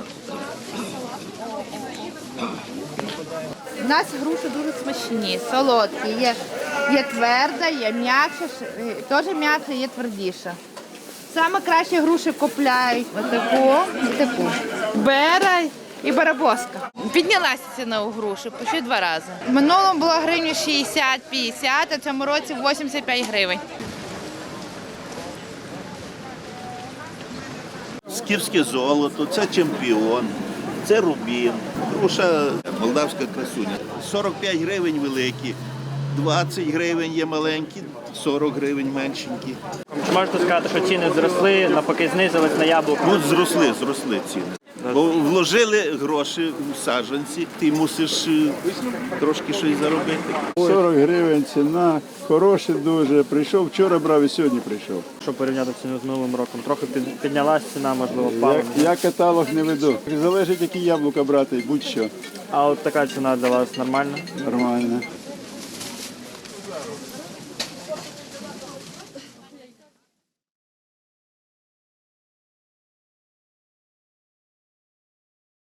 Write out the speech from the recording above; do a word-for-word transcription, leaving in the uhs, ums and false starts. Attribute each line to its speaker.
Speaker 1: У нас груші дуже смачні, солодкі. Є, є тверда, є м'якша, теж м'якша, є твердіша. Саме краще груші купляють отаку і таку. Бера і барабоска. Піднялася ціна у груші, почти два рази. В минулому було гривні шістдесят-п'ятдесят, а в цьому році вісімдесят п'ять гривень.
Speaker 2: Скіфське золото, це чемпіон, це рубін, груша молдавська красуня. сорок п'ять гривень великі, двадцять гривень є маленькі, сорок гривень меншенькі.
Speaker 3: Чи можете сказати, що ціни зросли, навпаки знизились на яблуко?
Speaker 2: Ну, зросли, зросли ціни. Бо вложили гроші в саджанці, ти мусиш е, трошки щось заробити.
Speaker 4: сорок гривень ціна, хороше дуже. Прийшов, вчора брав і сьогодні прийшов.
Speaker 3: Щоб порівняти ціну з минулим роком? Трохи під- піднялась ціна, можливо, впала.
Speaker 4: Я, я каталог не веду. Залежить, які яблука брати, будь-що.
Speaker 3: А от така ціна для вас нормальна?
Speaker 4: Нормально.